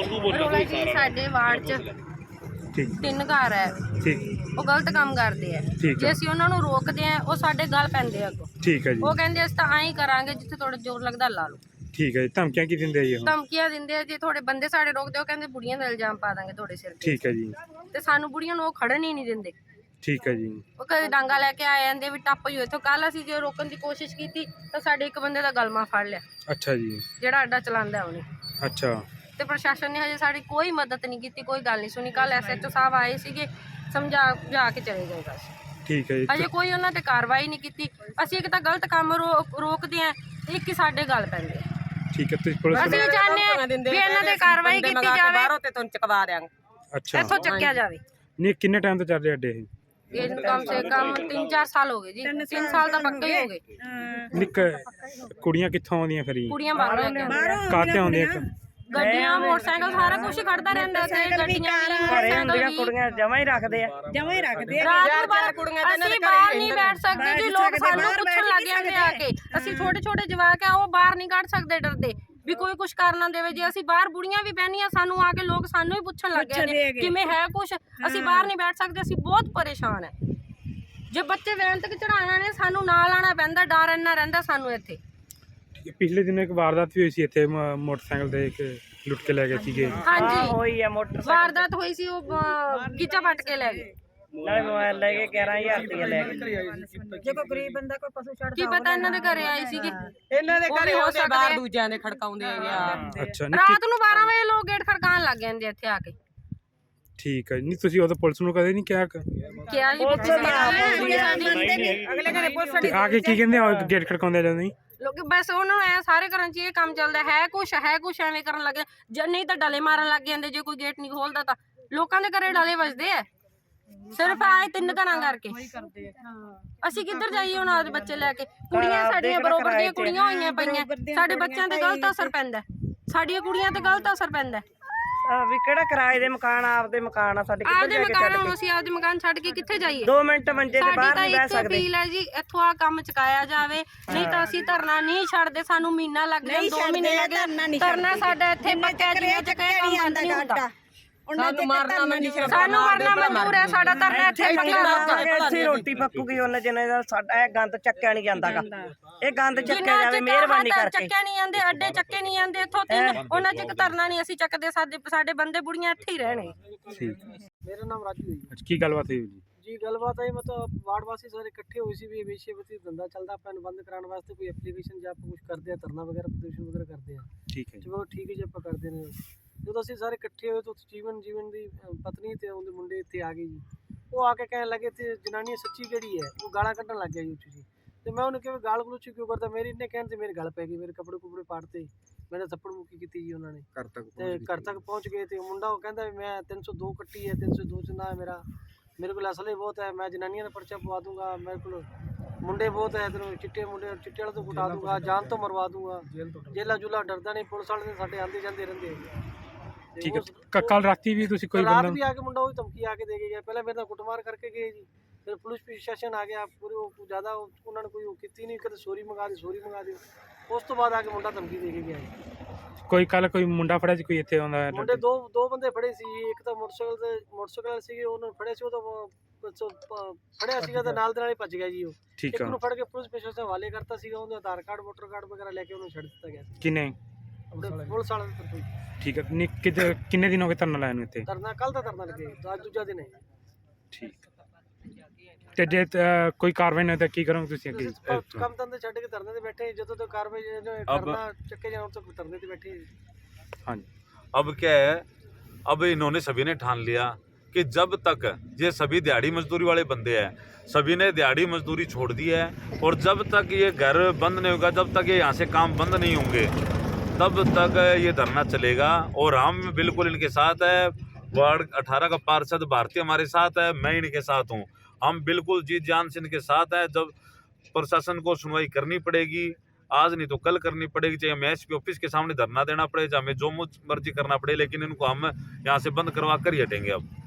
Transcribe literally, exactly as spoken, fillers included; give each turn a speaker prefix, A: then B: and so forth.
A: ਰੋਲਾ ਜੀ ਸਾਡੇ ਵਾਰਡ 'ਚ ਤਿੰਨ ਘਰ ਹੈ, ਉਹ ਗਲਤ ਕੰਮ ਕਰਦੇ ਆ। ਜੇ ਅਸੀਂ ਉਹਨਾਂ ਨੂੰ ਰੋਕਦੇ ਆ ਉਹ ਸਾਡੇ ਗੱਲ ਪੈਂਦੇ ਆ ਅੱਗੋਂ।
B: ਠੀਕ ਹੈ ਜੀ।
A: ਉਹ ਕਹਿੰਦੇ ਅਸੀਂ ਤਾਂ ਐਂ ਹੀ ਕਰਾਂਗੇ ਜਿੱਥੇ ਥੋੜਾ ਜ਼ੋਰ ਲੱਗਦਾ ਲਾ ਲਓ।
B: ਠੀਕ ਹੈ ਜੀ। ਧਮਕੀਆਂ ਕੀ ਦਿੰਦੇ ਆ ਜੀ?
A: ਧਮਕੀਆਂ ਦਿੰਦੇ ਆ, ਜੇ ਥੋੜੇ ਬੰਦੇ ਸਾਡੇ ਰੋਕਦੇ ਉਹ ਕਹਿੰਦੇ ਬੁੜੀਆਂ ਦਾ ਇਲਜ਼ਾਮ ਪਾ ਦਾਂਗੇ ਤੁਹਾਡੇ ਸਿਰ ਤੇ।
B: ਠੀਕ ਹੈ ਜੀ।
A: ਤੇ ਸਾਨੂੰ ਬੁੜੀਆਂ ਨੂੰ ਉਹ ਖੜਨ ਹੀ ਨਹੀਂ ਦਿੰਦੇ।
B: ਠੀਕ ਹੈ ਜੀ।
A: ਉਹ ਕਦੇ ਡਾਂਗਾ ਲੈ ਕੇ ਆ ਜਾਂਦੇ ਵੀ ਟੱਪ ਜੋ ਇੱਥੋਂ। ਕੱਲ ਅਸੀਂ ਜੇ ਰੋਕਣ ਦੀ ਕੋਸ਼ਿਸ਼ ਕੀਤੀ ਤਾਂ ਸਾਡੇ ਇੱਕ ਬੰਦੇ ਦਾ ਗਲਮਾ ਫੜ ਲਿਆ।
B: ਅੱਛਾ ਜੀ।
A: ਜਿਹੜਾ ਅੱਡਾ ਚਲਾਉਂਦਾ ਉਹਨੇ।
B: ਅੱਛਾ। ਤੇ
A: ਪ੍ਰਸ਼ਾਸਨ ਨੇ ਹਜੇ ਸਾਡੀ ਕੋਈ ਮਦਦ ਨਹੀਂ ਕੀਤੀ, ਕੋਈ ਗੱਲ ਨਹੀਂ ਸੁਣੀ। ਕੱਲ ਐਸ ਐਚ ਓ ਸਾਹਿਬ ਆਏ ਸੀਗੇ, ਸਮਝਾ ਜਾ ਕੇ ਚਲੇ ਗਏ ਬਸ।
B: ਠੀਕ ਹੈ ਜੀ।
A: ਹਜੇ ਕੋਈ ਉਹਨਾਂ ਤੇ ਕਾਰਵਾਈ ਨਹੀਂ ਕੀਤੀ। ਅਸੀਂ ਇੱਕ ਤਾਂ ਗਲਤ ਕੰਮ ਰੋਕਦੇ ਆ, ਇੱਕ ਹੀ ਸਾਡੇ ਗੱਲ ਪੈਂਦੇ ਆ।
B: ਠੀਕ ਹੈ। ਤੁਸੀਂ ਪੁਲਿਸ
A: ਅਸੀਂ ਚਾਹੁੰਦੇ ਆ ਵੀ ਇਹਨਾਂ ਤੇ ਕਾਰਵਾਈ ਕੀਤੀ ਜਾਵੇ।
C: ਬਾਹਰੋਂ ਤੇ ਤੁਹਾਨੂੰ ਚਕਵਾ ਦਿਆਂਗੇ।
B: ਅੱਛਾ।
A: ਇੱਥੋਂ ਚੱਕਿਆ ਜਾਵੇ।
B: ਨਹੀਂ, ਕਿੰਨੇ ਟਾਈਮ ਤੋਂ ਚੱਲ ਰਿਹਾ ਅੱਡੇ ਇਹ?
A: ਇਹ ਕਮ ਸੇ ਕਮ ਤਿੰਨ ਚਾਰ ਸਾਲ ਹੋ ਗਏ ਜੀ। ਤਿੰਨ ਸਾਲ ਤਾਂ ਪੱਕੇ ਹੀ ਹੋ ਗਏ।
B: ਨਿੱਕ ਕੁੜੀਆਂ ਕਿੱਥੋਂ ਆਉਂਦੀਆਂ ਫਿਰ?
A: ਕੁੜੀਆਂ ਬਾਹਰੋਂ ਲੈ ਕੇ
B: ਕਾਤੇ ਆਉਂਦੀਆਂ?
A: ਗੱਡੀਆਂ ਮੋਟਰਸਾਈਕਲ ਸਾਰਾ ਕੁਝ ਖੜਦਾ ਰਹਿੰਦਾ ਤੇ ਗੱਡੀਆਂ
C: ਘਰੇ ਹੁੰਦੀਆਂ ਕੁੜੀਆਂ ਜਮਾਂ ਹੀ ਰੱਖਦੇ ਆ
D: ਜਮਾਂ ਹੀ ਰੱਖਦੇ ਆ।
A: ਰਾਤ ਨੂੰ ਬਾਹਰ ਕੁੜੀਆਂ ਅਸੀਂ ਬਾਹਰ ਨਹੀਂ ਬੈਠ ਸਕਦੇ ਜੀ। ਲੋਕ ਸਾਨੂੰ ਪੁੱਛਣ ਲੱਗ ਜਾਂਦੇ ਆ ਕੇ। ਅਸੀਂ ਛੋਟੇ ਛੋਟੇ ਜਵਾਕ ਆ, ਉਹ ਬਾਹਰ ਨਹੀਂ ਕੱਢ ਸਕਦੇ ਡਰਦੇ ਵੀ ਕੋਈ ਕੁਝ ਕਰ ਨਾ ਦੇਵੇ। ਜੇ ਅਸੀਂ ਬਾਹਰ ਬੁੜੀਆਂ ਵੀ ਬਹਿਨੀਆਂ, ਸਾਨੂੰ ਆ ਕੇ ਲੋਕ ਸਾਨੂੰ ਹੀ ਪੁੱਛਣ ਲੱਗ ਜਾਂਦੇ ਕਿਵੇਂ ਹੈ ਕੁਝ। ਅਸੀਂ ਬਾਹਰ ਨਹੀਂ ਬੈਠ ਸਕਦੇ, ਅਸੀਂ ਬਹੁਤ ਪਰੇਸ਼ਾਨ ਹੈ। ਜੇ ਬੱਚੇ ਵੈਨ ਤੱਕ ਚੜਾਉਣਾ ਨੇ ਸਾਨੂੰ ਨਾਲ ਆਉਣਾ ਪੈਂਦਾ, ਡਰ ਇੰਨਾ ਰਹਿੰਦਾ ਸਾਨੂੰ ਇੱਥੇ।
B: ਪਿਛਲੇ ਦਿਨ ਇੱਕ ਵਾਰਦਾਤ ਵੀ ਹੋਈ ਸੀ ਇੱਥੇ, ਮੋਟਰਸਾਈਕਲ ਤੇ ਇੱਕ ਲੁੱਟ ਕੇ ਲੈ ਗਏ ਸੀਗੇ।
A: ਹਾਂਜੀ
C: ਹੋਈ ਆ ਮੋਟਰਸਾਈਕਲ
A: ਵਾਰਦਾਤ ਹੋਈ ਸੀ, ਉਹ ਗੀਚਾ ਪੱਟ ਕੇ ਲੈ ਗਏ।
C: ਨਾਲੇ ਮੋਬਾਈਲ ਲੈ ਕੇ ਗਿਆਰਾਂ ਹਜ਼ਾਰ ਰੁਪਏ ਲੈ ਗਏ।
D: ਜੇ ਕੋਈ ਗਰੀਬ ਬੰਦਾ ਕੋਈ ਪਸ਼ੂ ਛੱਡਦਾ
A: ਕੀ ਪਤਾ ਇਹਨਾਂ ਦੇ ਘਰੇ ਆਏ ਸੀਗੇ।
C: ਇਹਨਾਂ ਦੇ ਘਰੇ ਆਉਂਦੇ ਬਾਹਰ ਦੂਜਿਆਂ ਦੇ ਖੜਕਾਉਂਦੇ ਆ।
B: ਅੱਛਾ।
A: ਰਾਤ ਨੂੰ ਬਾਰਾਂ ਵਜੇ ਲੋਕ ਗੇਟ ਖੜਕਾਉਣ ਲੱਗ ਜਾਂਦੇ ਇੱਥੇ ਆ ਕੇ।
B: ਠੀਕ ਹੈ। ਨਹੀਂ ਤੁਸੀਂ ਉਹ ਤਾਂ ਪੁਲਿਸ ਨੂੰ ਕਦੇ ਨਹੀਂ ਕਿਹਾ?
A: ਕਿਹਾ ਜੀ
D: ਅਗਲੇ ਘਰੇ ਪੁਲਿਸ
B: ਤੇ ਆ ਕੇ ਕੀ ਕਹਿੰਦੇ ਆ ਗੇਟ ਖੜਕਾਉਂਦੇ ਜਾਂਦੇ?
A: ਲੋਕ ਬਸ ਉਹਨਾਂ ਨੂੰ ਐ ਸਾਰੇ ਘਰਾਂ 'ਚ ਇਹ ਕੰਮ ਚੱਲਦਾ ਹੈ। ਕੁਛ ਹੈ ਕੁਛ ਐਵੇਂ ਕਰਨ ਲੱਗੇ, ਜੇ ਨਹੀਂ ਤਾਂ ਡਲੇ ਮਾਰਨ ਲੱਗ ਜਾਂਦੇ। ਜੇ ਕੋਈ ਗੇਟ ਨਹੀਂ ਖੋਲਦਾ ਤਾਂ ਲੋਕਾਂ ਦੇ ਘਰੇ ਡਲੇ ਵੱਜਦੇ ਆ, ਸਿਰਫ ਆਏ ਤਿੰਨ ਘਰਾਂ ਕਰਕੇ। ਅਸੀਂ ਕਿੱਧਰ ਜਾਈਏ ਹੁਣ ਆਪਦੇ ਬੱਚੇ ਲੈ ਕੇ? ਕੁੜੀਆਂ ਸਾਡੀਆਂ ਬਰੋਬਰ ਦੀਆਂ ਕੁੜੀਆਂ ਹੋਈਆਂ ਪਈਆਂ, ਸਾਡੇ ਬੱਚਿਆਂ ਤੇ ਗਲਤ ਅਸਰ ਪੈਂਦਾ, ਸਾਡੀਆਂ ਕੁੜੀਆਂ ਤੇ ਗਲਤ ਅਸਰ ਪੈਂਦਾ।
C: ਵੀ ਕਿਹੜਾ ਕਿਰਾਏ ਦੇ ਮਕਾਨ, ਆਪਦੇ ਮਕਾਨ ਆ ਸਾਡੇ।
A: ਆਪਦੇ ਮਕਾਨ ਹੁਣ ਅਸੀਂ ਆਪਦੇ ਮਕਾਨ ਛੱਡ ਕੇ ਕਿੱਥੇ ਜਾਈਏ?
C: ਦੋ ਮਿੰਟ ਮੰਜੇ ਤੇ ਬਾਹਰ ਨਹੀਂ ਬਹਿ ਸਕਦੇ।
A: ਅਪੀਲ ਹੈ ਜੀ, ਇੱਥੋਂ ਆ ਕੰਮ ਚੁਕਾਇਆ ਜਾਵੇ, ਨਹੀਂ ਤਾਂ ਅਸੀਂ ਧਰਨਾ ਨਹੀਂ ਛੱਡਦੇ। ਸਾਨੂੰ ਮਹੀਨਾ ਲੱਗ ਗਿਆ, ਦੋ ਮਹੀਨੇ ਲੱਗ ਗਏ ਧਰਨਾ ਸਾਡਾ ਇੱਥੇ ਪੱਕਿਆ ਜਿਹਾ ਚੱਕਿਆ ਕੰਮ ਬੰਦ ਨਹੀਂ ਹੁੰਦਾ।
C: ਸਾਨੂੰ ਮਾਰਨਾ ਮਨਜ਼ੂਰ
A: ਸਾਨੂੰ ਮਰਨਾ ਮਨਜ਼ੂਰ ਹੈ, ਸਾਡਾ ਧਰਨਾ ਇੱਥੇ
C: ਇੱਥੇ ਰੋਟੀ ਪੱਕੂਗੀ ਉਹਨਾਂ ਜਿੰਨੇ ਦਾ ਸਾਡਾ ਇਹ ਗੰਦ ਚੱਕਿਆ ਨਹੀਂ ਜਾਂਦਾਗਾ। ਇਹ ਗੰਦ ਚੱਕਿਆ ਜਾਵੇ ਮਿਹਰਬਾਨੀ ਕਰਕੇ।
A: ਚੱਕਿਆ ਨਹੀਂ ਜਾਂਦੇ, ਅੱਡੇ ਚੱਕੇ ਨਹੀਂ ਜਾਂਦੇ ਇੱਥੋਂ ਤਿੰਨ, ਉਹਨਾਂ 'ਚ ਇੱਕ ਧਰਨਾ ਨਹੀਂ ਅਸੀਂ ਚੱਕਦੇ। ਸਾਡੇ ਸਾਡੇ ਬੰਦੇ ਬੁੜੀਆਂ ਇੱਥੇ ਹੀ ਰਹਿਣੇ।
E: ਮੇਰਾ ਨਾਮ ਰਾਜੂ ਹੈ ਜੀ।
B: ਕੀ ਗੱਲਬਾਤ ਹੋਈ ਜੀ?
E: ਜੀ ਗੱਲਬਾਤ ਹੈ ਮਤਲਬ ਵਾਰਡ ਵਾਸੀ ਸਾਰੇ ਇਕੱਠੇ ਹੋਏ ਸੀ ਵੀ ਵੇਸ਼ੇਵਤੀ ਧੰਦਾ ਚੱਲਦਾ, ਆਪਾਂ ਨੂੰ ਬੰਦ ਕਰਾਉਣ ਵਾਸਤੇ ਕੋਈ ਐਪਲੀਕੇਸ਼ਨ ਜਾਂ ਆਪਾਂ ਕੁਝ ਕਰਦੇ ਆ, ਧਰਨਾ ਵਗੈਰਾ ਪ੍ਰਦਰਸ਼ਨ ਵਗੈਰਾ ਕਰਦੇ ਆ।
B: ਠੀਕ ਹੈ ਜੀ।
E: ਚਲੋ ਠੀਕ ਹੈ ਜੀ, ਆਪਾਂ ਕਰਦੇ ਨੇ। ਜਦੋਂ ਅਸੀਂ ਸਾਰੇ ਇਕੱਠੇ ਹੋਏ ਤਾਂ ਜੀਵਨ ਜੀਵਨ ਦੀ ਪਤਨੀ ਤੇ ਉਹਦੇ ਮੁੰਡੇ ਇੱਥੇ ਆ ਗਏ ਜੀ। ਉਹ ਆ ਕੇ ਕਹਿਣ ਲੱਗੇ ਤੇ ਜਨਾਨੀ ਸੱਚੀ ਕਿਹੜੀ ਹੈ, ਉਹ ਗਾਲਾਂ ਕੱਢਣ ਲੱਗ ਗਿਆ ਜੀ ਉੱਚੀ ਜੀ। ਤੇ ਮੈਂ ਉਹਨੂੰ ਕਿਹਾ ਗਾਲ ਗਲੋਚ ਕਿਉਂ ਕਰਦਾ? ਮੇਰੀ ਇਹਨੇ ਕਹਿਣ ਤੇ ਮੇਰੇ ਗਲ ਪੈ ਗਈ, ਮੇਰੇ ਕੱਪੜੇ ਕੁਪੜੇ ਪਾੜਤੇ, ਮੇਰੇ ਥੱਪੜ ਮੁੱਕੀ ਕੀਤੀ ਜੀ ਉਹਨਾਂ ਨੇ। ਤੇ ਘਰ ਤੱਕ ਪਹੁੰਚ ਗਏ ਤੇ ਮੁੰਡਾ ਉਹ ਕਹਿੰਦਾ ਵੀ ਮੈਂ ਤਿੰਨ ਸੌ ਦੋ ਕੱਟੀ ਹੈ, ਤਿੰਨ ਸੌ ਦੋ 'ਚ ਨਾ ਹੈ ਮੇਰਾ, ਮੇਰੇ ਕੋਲ ਅਸਲੇ ਬਹੁਤ ਹੈ, ਮੈਂ ਜਨਾਨੀਆਂ ਦਾ ਪਰਚਾ ਪਵਾ ਦੂੰਗਾ, ਮੇਰੇ ਕੋਲ ਮੁੰਡੇ ਬਹੁਤ ਹੈ, ਤੈਨੂੰ ਚਿੱਟੇ ਮੁੰਡੇ ਚਿੱਟੇ ਵਾਲੇ ਤੋਂ ਕੁਟਾ ਦੂੰਗਾ, ਜਾਨ ਤੋਂ ਮਰਵਾ ਦੂੰਗਾ। ਜੇਲਾ ਜੁਲਾ ਡਰਦਾ ਨਹੀਂ, ਪੁਲਿਸ ਵਾਲੇ ਸਾਡੇ ਆਉਂਦੇ ਜਾਂਦੇ ਰਹਿੰਦੇ।
B: ਠੀਕ ਹੈ। ਕੱਲ ਰਾਤੀ ਵੀ ਤੁਸੀਂ ਕੋਈ
E: ਰਾਤ ਵੀ ਆ ਕੇ ਮੁੰਡਾ ਉਹ ਧਮਕੀ ਆ ਕੇ ਦੇ ਕੇ ਗਿਆ। ਪਹਿਲਾਂ ਮੇਰੇ ਨਾਲ ਕੁੱਟਮਾਰ ਕਰਕੇ ਗਏ ਜੀ, ਫਿਰ ਪੁਲਿਸ ਪ੍ਰਸ਼ਾਸਨ ਆ ਗਿਆ ਪੂਰੇ। ਉਹ ਜ਼ਿਆਦਾ ਉਹਨਾਂ ਨੇ ਕੋਈ ਉਹ ਕੀਤੀ ਨਹੀਂ, ਕਦੇ ਸੋਰੀ ਮੰਗਾ ਦੇ ਸੋਰੀ ਮੰਗਾ ਦਿਓ। ਉਸ ਤੋਂ ਬਾਅਦ ਆ ਕੇ ਮੁੰਡਾ ਧਮਕੀ ਦੇ ਕੇ ਗਿਆ।
B: ਕੋਈ ਕੱਲ ਕੋਈ ਮੁੰਡਾ ਫੜਿਆ ਸੀ ਕੋਈ ਇੱਥੇ ਆਉਂਦਾ?
E: ਮੁੰਡੇ ਦੋ ਦੋ ਬੰਦੇ ਫੜੇ ਸੀ, ਇੱਕ ਤਾਂ ਮੋਟਰਸਾਈਕਲ ਤੇ ਮੋਟਰਸਾਈਕਲ ਸੀਗੇ, ਉਹਨਾਂ ਨੂੰ ਫੜਿਆ ਸੀ। ਉਹ ਤਾਂ ਫੜਿਆ ਸੀਗਾ ਤੇ ਨਾਲ ਦੇ ਨਾਲ ਹੀ ਭੱਜ ਗਿਆ ਜੀ ਉਹ।
B: ਠੀਕ
E: ਇੱਕ
B: ਹੈ।
E: ਨੂੰ ਫੜ ਕੇ ਪੁਲਿਸ ਪ੍ਰਸ਼ਾਸਨ ਹਵਾਲੇ ਕਰਤਾ ਸੀਗਾ, ਉਹਦਾ ਆਧਾਰ ਕਾਰਡ ਵੋਟਰ ਕਾਰਡ ਵਗੈਰਾ ਲੈ ਕੇ ਉਹਨੂੰ ਛੱਡ ਦਿੱਤਾ ਗਿਆ ਸੀ।
B: ਕਿੰਨੇ?
E: ਆਪਣੇ ਪੁਲਿਸ ਵਾਲਿਆਂ ਦੇ ਤਰਫੋਂ।
B: ਠੀਕ ਹੈ। ਨਹੀਂ ਕਿਤੇ ਕਿੰਨੇ ਦਿਨ ਹੋ ਗਏ ਧਰਨਾ ਲਾਇਆ ਨੂੰ ਇੱਥੇ?
E: ਧਰਨਾ ਕੱਲ ਦਾ ਧਰਨਾ ਲੱਗੇ, ਅੱਜ ਦੂਜਾ ਦਿਨ ਹੈ।
B: ਠੀਕ। ਤੇ ਜੇ ਕੋਈ ਕਾਰਵਾਈ ਨਹੀਂ ਤਾਂ ਕੀ ਕਰੋਗੇ ਤੁਸੀਂ ਅੱਗੇ?
E: ਕੰਮ ਧੰਦੇ ਛੱਡ ਕੇ ਧਰਨੇ ਤੇ ਬੈਠੇ, ਜਦੋਂ ਤੱਕ ਕਾਰਵਾਈ ਕਰਨਾ ਚੱਕੇ ਜਾਣ ਤੋਂ धरने पे बैठे।
B: हाँ जी।
F: अब क्या है, अब इन्होंने सभी ने ठान लिया कि जब तक ये सभी दिहाड़ी मजदूरी वाले बंदे हैं, सभी ने दिहाड़ी मजदूरी छोड़ दी है, और जब तक ये घर बंद नहीं होगा, जब तक ये यहाँ से काम बंद नहीं होंगे, तब तक ये धरना चलेगा। और हम बिल्कुल इनके साथ है। वार्ड अठारह का पार्षद भारती हमारे साथ है, मैं इनके साथ हूँ। हम बिल्कुल जीत जान से इनके साथ हैं। जब प्रशासन को सुनवाई करनी पड़ेगी, आज नहीं तो कल करनी पड़ेगी, चाहे हमें एस पी ऑफिस के सामने धरना देना पड़े, चाहे हमें जो मर्जी करना पड़े, लेकिन इनको हम यहाँ से बंद करवा कर ही हटेंगे अब।